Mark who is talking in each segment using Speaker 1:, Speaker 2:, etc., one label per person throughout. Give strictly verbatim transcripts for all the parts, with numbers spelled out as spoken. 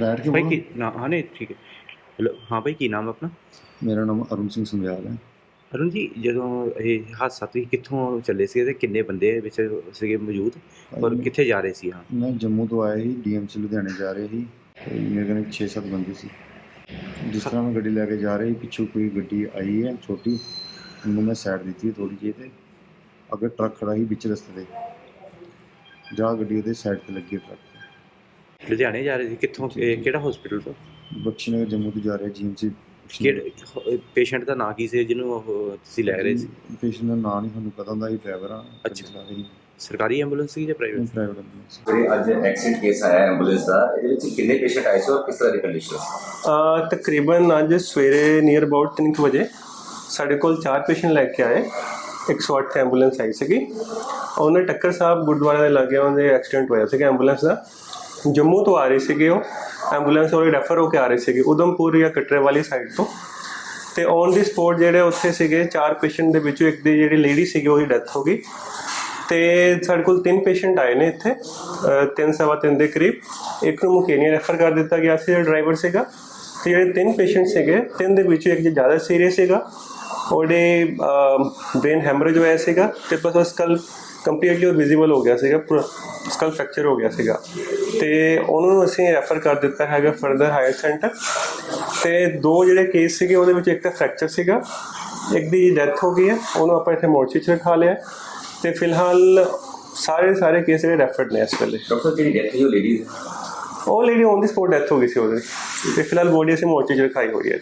Speaker 1: बैठ के
Speaker 2: भाई
Speaker 1: बोलो।
Speaker 2: की ना हाँ नहीं ठीक है। ਹੈਲੋ ਹਾਂ ਭਾਈ ਕੀ ਨਾਮ ਆਪਣਾ?
Speaker 1: ਮੇਰਾ ਨਾਮ ਅਰੁਣ ਸਿੰਘ ਸੰਧਿਆਲ ਹੈ।
Speaker 2: ਅਰੁਣ ਜੀ ਜਦੋਂ ਇਹ ਹਾਦਸਾ ਤੁਸੀਂ ਕਿੱਥੋਂ ਚੱਲੇ ਸੀ ਤੇ ਕਿੰਨੇ ਬੰਦੇ ਵਿੱਚ ਸੀਗੇ ਮੌਜੂਦ
Speaker 1: ਭਾਈ
Speaker 2: ਔਰ
Speaker 1: ਮੈਂ-
Speaker 2: ਕਿੱਥੇ ਜਾ ਰਹੇ ਸੀ? ਹਾਂ
Speaker 1: ਮੈਂ ਜੰਮੂ ਤੋਂ ਆਇਆ ਸੀ, ਡੀਐਮਸੀ ਲੁਧਿਆਣੇ ਜਾ ਰਹੇ ਸੀ ਤੇ ਮੇਰੇ ਕੋਲ ਛੇ ਸੱਤ ਬੰਦੇ ਸੀ। ਜਿਸ ਤਰ੍ਹਾਂ ਮੈਂ ਗੱਡੀ ਲੈ ਕੇ ਜਾ ਰਹੀ, ਪਿੱਛੋਂ ਕੋਈ ਗੱਡੀ ਆਈ ਹੈ ਛੋਟੀ, ਉਹਨੂੰ ਮੈਂ ਸਾਈਡ ਦਿੱਤੀ ਥੋੜ੍ਹੀ ਜਿਹੀ, ਤੇ ਅੱਗੇ ਟਰੱਕ ਖੜਾ ਸੀ ਵਿੱਚ ਰਸਤੇ ਤੇ, ਜਾ ਗੱਡੀ ਉਹਦੇ ਸਾਈਡ ਤੇ ਲੱਗੀ ਟਰੱਕ।
Speaker 2: ਲੁਧਿਆਣੇ ਜਾ ਰਹੇ ਸੀ ਕਿੱਥੋਂ? ਇਹ ਕਿਹੜਾ ਹਸਪੀਟਲ ਤੋਂ?
Speaker 1: ਬਖਸ਼ੀਨਗਰ ਜੰਮੂ ਤੋਂ ਜਾ ਰਿਹਾ ਜੀਐਮਸੀ।
Speaker 2: ਕਿਹੜੇ ਪੇਸ਼ੈਂਟ ਦਾ ਨਾਂ ਕੀ ਸੀ ਜਿਹਨੂੰ ਉਹ ਤੁਸੀਂ ਲੈ ਰਹੇ ਸੀ?
Speaker 1: ਪੇਸ਼ੈਂਟ ਦਾ ਨਾਂ ਨਹੀਂ ਸਾਨੂੰ ਪਤਾ ਹੁੰਦਾ, ਅਸੀਂ ਡਰਾਈਵਰ ਆ।
Speaker 2: ਅੱਛਾ। ਸਰਕਾਰੀ ਐਂਬੂਲੈਂਸ ਸੀ ਜਾਂ ਪ੍ਰਾਈਵੇਟ?
Speaker 1: Private ambulance.
Speaker 3: ਜਿਹੜੇ ਅੱਜ ਐਕਸੀਡੈਂਟ ਕੇਸ ਆਇਆ ਐਂਬੂਲੈਂਸ ਦਾ, ਇਹਦੇ ਵਿੱਚ ਕਿੰਨੇ ਪੇਸ਼ੈਂਟ ਆਏ ਸੀ ਔਰ ਕਿਸ ਤਰ੍ਹਾਂ ਦੀ ਕੰਡੀਸ਼ਨ ਸੀ?
Speaker 4: ਅ, ਤਕਰੀਬਨ ਅੱਜ ਸਵੇਰੇ ਨੀਅਰ ਅਬਾਊਟ ਤਿੰਨ ਕੁ ਵਜੇ ਸਾਡੇ ਕੋਲ ਚਾਰ ਪੇਸ਼ੈਂਟ ਲੈ ਕੇ ਆਏ। ਇੱਕ ਸੌ ਅੱਠ ਐਂਬੂਲੈਂਸ ਆਈ ਸੀਗੀ। ਉਹਨੇ ਟੱਕਰ ਸਾਹਿਬ ਗੁਰਦੁਆਰਾ ਦੇ ਲਾਗੇ ਉਹਦੇ ਐਕਸੀਡੈਂਟ ਹੋਇਆ ਸੀਗਾ ਐਂਬੂਲੈਂਸ ਦਾ। ਜੰਮੂ ਤੋਂ ਆ ਰਹੇ ਸੀਗੇ ਉਹ ਐਂਬੂਲੈਂਸ, ਉਹ ਰੈਫਰ ਹੋ ਕੇ ਆ ਰਹੇ ਸੀਗੇ ਉਧਮਪੁਰ ਜਾਂ ਕਟਰੇ ਵਾਲੀ ਸਾਈਡ ਤੋਂ। ਤੇ ਔਨ ਦੀ ਸਪੋਟ ਜਿਹੜੇ ਉੱਥੇ ਸੀਗੇ ਚਾਰ ਪੇਸ਼ੈਂਟ ਦੇ ਵਿੱਚੋਂ ਇੱਕ ਦੀ ਜਿਹੜੀ ਲੇਡੀ ਸੀਗੀ ਉਹਦੀ ਡੈਥ ਹੋ ਗਈ। ਤੇ ਸਾਡੇ ਕੋਲ ਤਿੰਨ ਪੇਸ਼ੈਂਟ ਆਏ ਨੇ ਇੱਥੇ, ਅ, ਤਿੰਨ ਸਵਾ ਤਿੰਨ ਦੇ ਕਰੀਬ। ਇੱਕ ਨੂੰ ਮੁਕੇਨੀਆ ਰੈਫਰ ਕਰ ਦਿੱਤਾ ਗਿਆ ਸੀ ਜਿਹੜਾ ਡਰਾਈਵਰ ਸੀਗਾ। ਤੇ ਜਿਹੜੇ ਤਿੰਨ ਪੇਸ਼ੈਂਟ ਸੀਗੇ, ਤਿੰਨ ਦੇ ਵਿੱਚੋਂ ਇੱਕ ਜ਼ਿਆਦਾ ਸੀਰੀਅਸ ਸੀਗਾ, ਉਹਦੇ ਬ੍ਰੇਨ ਹੈਮਰੇਜ ਹੋਇਆ ਸੀਗਾ ਤੇ ਬਸ ਉਹ ਸਕਲ ਕੰਪਲੀਟਲੀ ਵਿਜ਼ੀਬਲ ਹੋ ਗਿਆ ਸੀਗਾ, ਪੂਰਾ ਸਕਲ ਫ੍ਰੈਕਚਰ ਹੋ ਗਿਆ ਸੀਗਾ। ਤੇ ਉਹਨੂੰ ਅਸੀਂ ਰੈਫਰ ਕਰ ਦਿੱਤਾ ਹੈਗਾ ਫਰਦਰ ਹਾਇਰ ਸੈਂਟਰ। ਤੇ ਦੋ ਜਿਹੜੇ ਕੇਸ ਸੀਗੇ ਉਹਦੇ ਵਿੱਚ ਇੱਕ ਤਾਂ ਫ੍ਰੈਕਚਰ ਸੀਗਾ, ਇੱਕ ਦੀ ਡੈਥ ਹੋ ਗਈ ਹੈ, ਉਹਨੂੰ ਆਪਾਂ ਇੱਥੇ ਮੋਰਚੀ 'ਚ ਰਖਾ ਲਿਆ। ਤੇ ਫਿਲਹਾਲ ਸਾਰੇ ਸਾਰੇ ਕੇਸ ਜਿਹੜੇ ਰੈਫਰਡ ਨੇ ਇਸ ਵੇਲੇ।
Speaker 3: ਡਾਕਟਰ ਜਿਹੜੀ ਡੈਥ ਹੋਈ ਉਹ ਲੇਡੀਜ਼
Speaker 4: ਉਹ lady on the spot death ਹੋ ਗਈ ਸੀ ਉਹਦੀ। ਤੇ ਫਿਲਹਾਲ ਬੋਡੀ ਅਸੀਂ ਮੋਰਚੀ 'ਚ ਰਖਾਈ ਹੋਈ ਹੈ।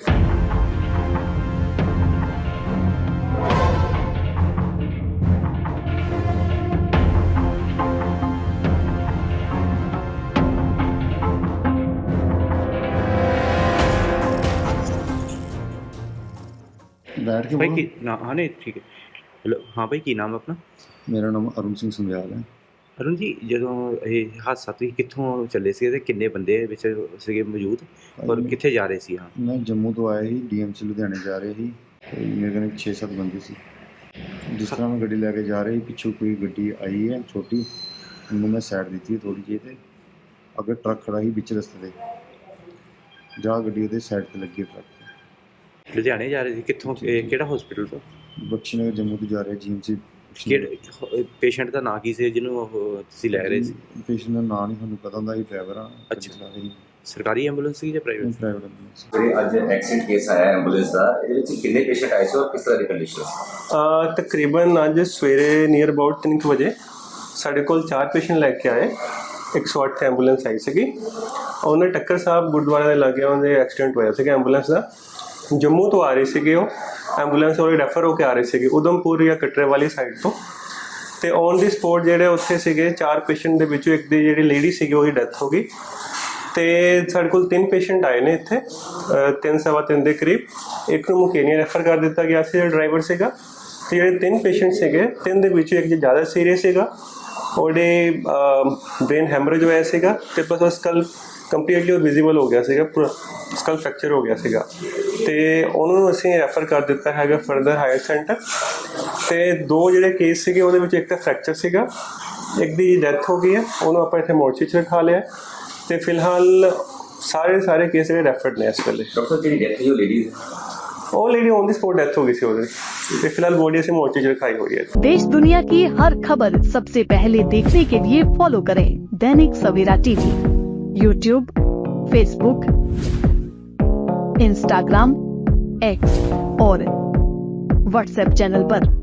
Speaker 1: ਬੈਠ ਕੇ
Speaker 2: ਭਾਈ
Speaker 1: ਬੋਲੋ।
Speaker 2: ਕੀ ਨਾ हाँ नहीं ठीक है। ਹੈਲੋ ਹਾਂ ਭਾਈ ਕੀ ਨਾਮ ਆਪਣਾ?
Speaker 1: ਮੇਰਾ ਨਾਮ ਅਰੁਣ ਸਿੰਘ ਸੰਧਿਆਲ ਹੈ।
Speaker 2: ਅਰੁਣ ਜੀ ਜਦੋਂ ਇਹ ਹਾਦਸਾ ਤੁਸੀਂ ਕਿੱਥੋਂ ਚੱਲੇ ਸੀ ਤੇ ਕਿੰਨੇ ਬੰਦੇ ਵਿੱਚ ਸੀਗੇ ਮੌਜੂਦ ਔਰ
Speaker 1: ਭਾਈ
Speaker 2: ਕਿੱਥੇ ਜਾ ਰਹੇ ਸੀ? ਹਾਂ
Speaker 1: ਮੈਂ ਜੰਮੂ ਤੋਂ ਆਇਆ ਸੀ, ਡੀਐਮਸੀ ਲੁਧਿਆਣੇ ਜਾ ਰਹੇ ਸੀ ਤੇ ਮੇਰੇ ਕੋਲ ਛੇ ਸੱਤ ਬੰਦੇ ਸੀ। ਜਿਸ ਤਰ੍ਹਾਂ ਮੈਂ ਗੱਡੀ ਲੈ ਕੇ ਜਾ ਰਹੀ, ਪਿੱਛੋਂ ਕੋਈ ਗੱਡੀ ਆਈ ਹੈ ਛੋਟੀ, ਉਹਨੂੰ ਮੈਂ ਸਾਈਡ ਦਿੱਤੀ ਥੋੜ੍ਹੀ ਜਿਹੀ, ਤੇ ਅੱਗੇ ਟਰੱਕ ਖੜਾ ਸੀ ਵਿੱਚ ਰਸਤੇ ਤੇ, ਜਾ ਗੱਡੀ ਉਹਦੇ ਸਾਈਡ ਤੇ ਲੱਗੀ ਟਰੱਕ।
Speaker 2: ਲੁਧਿਆਣੇ ਜਾ ਰਹੇ ਸੀ ਕਿੱਥੋਂ? ਇਹ ਕਿਹੜਾ ਹਸਪੀਟਲ ਤੋਂ?
Speaker 1: ਬਖਸ਼ੀਨਗਰ ਜੰਮੂ ਤੋਂ ਜਾ ਰਿਹਾ ਜੀਐਮਸੀ।
Speaker 2: ਕਿਹੜੇ ਪੇਸ਼ੈਂਟ ਦਾ ਨਾਂ ਕੀ ਸੀ ਜਿਹਨੂੰ ਉਹ ਤੁਸੀਂ ਲੈ ਰਹੇ ਸੀ?
Speaker 1: ਪੇਸ਼ੈਂਟ ਦਾ ਨਾਂ ਨਹੀਂ ਸਾਨੂੰ ਪਤਾ ਹੁੰਦਾ, ਅਸੀਂ ਡਰਾਈਵਰ ਆ।
Speaker 2: ਅੱਛਾ। ਸਰਕਾਰੀ ਐਂਬੂਲੈਂਸ ਸੀ ਜਾਂ ਪ੍ਰਾਈਵੇਟ?
Speaker 1: Private ambulance.
Speaker 3: ਜਿਹੜੇ ਅੱਜ ਐਕਸੀਡੈਂਟ ਕੇਸ ਆਇਆ ਐਂਬੂਲੈਂਸ ਦਾ, ਇਹਦੇ ਵਿੱਚ ਕਿੰਨੇ ਪੇਸ਼ੈਂਟ ਆਏ ਸੀ ਔਰ ਕਿਸ ਤਰ੍ਹਾਂ ਦੀ ਕੰਡੀਸ਼ਨ ਸੀ?
Speaker 4: ਅ, ਤਕਰੀਬਨ ਅੱਜ ਸਵੇਰੇ ਨੀਅਰ ਅਬਾਊਟ ਤਿੰਨ ਕੁ ਵਜੇ ਸਾਡੇ ਕੋਲ ਚਾਰ ਪੇਸ਼ੈਂਟ ਲੈ ਕੇ ਆਏ। ਇੱਕ ਸੌ ਅੱਠ ਐਂਬੂਲੈਂਸ ਆਈ ਸੀਗੀ। ਉਹਨੇ ਟੱਕਰ ਸਾਹਿਬ ਗੁਰਦੁਆਰਾ ਦੇ ਲਾਗੇ ਉਹਦੇ ਐਕਸੀਡੈਂਟ ਹੋਇਆ ਸੀਗਾ ਐਂਬੂਲੈਂਸ ਦਾ। ਜੰਮੂ ਤੋਂ ਆ ਰਹੇ ਸੀਗੇ ਉਹ ਐਂਬੂਲੈਂਸ, ਉਹ ਰੈਫਰ ਹੋ ਕੇ ਆ ਰਹੇ ਸੀਗੇ ਉਧਮਪੁਰ ਜਾਂ ਕਟਰੇ ਵਾਲੀ ਸਾਈਡ ਤੋਂ। ਤੇ ਔਨ ਦੀ ਸਪੋਟ ਜਿਹੜੇ ਉੱਥੇ ਸੀਗੇ ਚਾਰ ਪੇਸ਼ੈਂਟ ਦੇ ਵਿੱਚੋਂ ਇੱਕ ਦੀ ਜਿਹੜੀ ਲੇਡੀ ਸੀਗੀ ਉਹਦੀ ਡੈਥ ਹੋ ਗਈ। ਤੇ ਸਾਡੇ ਕੋਲ ਤਿੰਨ ਪੇਸ਼ੈਂਟ ਆਏ ਨੇ ਇੱਥੇ, ਅ, ਤਿੰਨ ਸਵਾ ਤਿੰਨ ਦੇ ਕਰੀਬ। ਇੱਕ ਨੂੰ ਮੁਕੇਨੀਆ ਰੈਫਰ ਕਰ ਦਿੱਤਾ ਗਿਆ ਸੀ ਜਿਹੜਾ ਡਰਾਈਵਰ ਸੀਗਾ। ਤੇ ਜਿਹੜੇ ਤਿੰਨ ਪੇਸ਼ੈਂਟ ਸੀਗੇ, ਤਿੰਨ ਦੇ ਵਿੱਚੋਂ ਇੱਕ ਜ਼ਿਆਦਾ ਸੀਰੀਅਸ ਸੀਗਾ, ਉਹਦੇ ਬ੍ਰੇਨ ਹੈਮਰੇਜ ਹੋਇਆ ਸੀਗਾ ਤੇ ਬਸ ਉਹ ਸਕਲ ਕੰਪਲੀਟਲੀ ਵਿਜ਼ੀਬਲ ਹੋ ਗਿਆ ਸੀਗਾ, ਪੂਰਾ ਸਕਲ ਫ੍ਰੈਕਚਰ ਹੋ ਗਿਆ ਸੀਗਾ। ਤੇ ਉਹਨੂੰ ਅਸੀਂ ਰੈਫਰ ਕਰ ਦਿੱਤਾ ਹੈਗਾ ਫਰਦਰ ਹਾਇਰ ਸੈਂਟਰ। ਤੇ ਦੋ ਜਿਹੜੇ ਕੇਸ ਸੀਗੇ ਉਹਦੇ ਵਿੱਚ ਇੱਕ ਤਾਂ ਫ੍ਰੈਕਚਰ ਸੀਗਾ, ਇੱਕ ਦੀ ਡੈਥ ਹੋ ਗਈ ਹੈ, ਉਹਨੂੰ ਆਪਾਂ ਇੱਥੇ ਮੋਰਚੀ 'ਚ ਰਖਾ ਲਿਆ। ਤੇ ਫਿਲਹਾਲ ਸਾਰੇ ਸਾਰੇ ਕੇਸ ਜਿਹੜੇ ਰੈਫਰਡ ਨੇ ਇਸ ਵੇਲੇ।
Speaker 3: ਡਾਕਟਰ ਜਿਹੜੀ ਡੈਥ ਹੋਈ ਉਹ ਲੇਡੀਜ਼
Speaker 4: ਉਹ lady on the spot death ਹੋ ਗਈ ਸੀ ਉਹਦੀ। ਤੇ ਫਿਲਹਾਲ ਬੋਡੀ ਅਸੀਂ ਮੋਰਚੀ 'ਚ ਰਖਾਈ ਹੋਈ ਹੈ।
Speaker 5: देश दुनिया की हर खबर सबसे पहले देखने के लिए फॉलो करें Dainik Savera TV, YouTube, Facebook, Instagram, X और व्हाट्सएप चैनल पर।